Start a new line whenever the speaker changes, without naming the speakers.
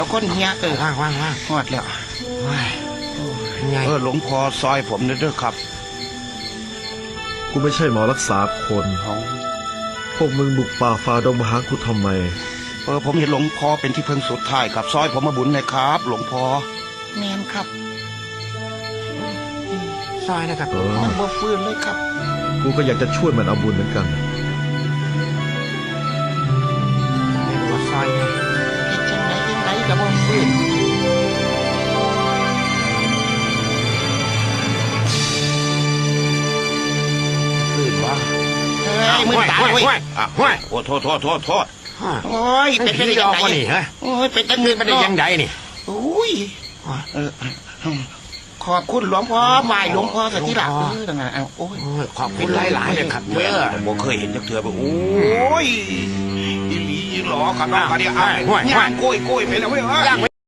คนเฮีย
ว่าง
หอดแล้ว
ไง
หลวงพ่อซอยผมเด้อครับ
กูไม่ใช่หมอรักษาคนพวกมึงบุกป่าฝ่าดงมาหากูทำไม
ผมเห็นหลวงพ่อเป็นที่พึ่งสุดท้ายครับซอยผมมาบุญเลยครับหลวงพ่อแมนครับ
ซอยนะครับ
มันบ่ฟื้นเลยครับ
กูก็อยากจะช่วยมันเอาบุญเหมือนกัน
เป็นหัวซอยไง
จังไหนกับบ่ฟื้น
วะ
มือตาเว้ย
โอ้โทษ
โอ้ยเป็นยังไง
นี่ฮะ
โอ้ยเป็นจังเงิน
เป็นยังไงนี่
โอ้ยขอบคุณหลวงพ่อไหว้หลวงพ่อสักทีละโอ้ย
ขอบคุณหลายๆเลยครับเด้อ
ผมเคยเห็นจักเถื่อแบบโอ้ยอีหลีหล่อขนาดนี้อ่ะย่างโก้ยไปแล้วเว้ย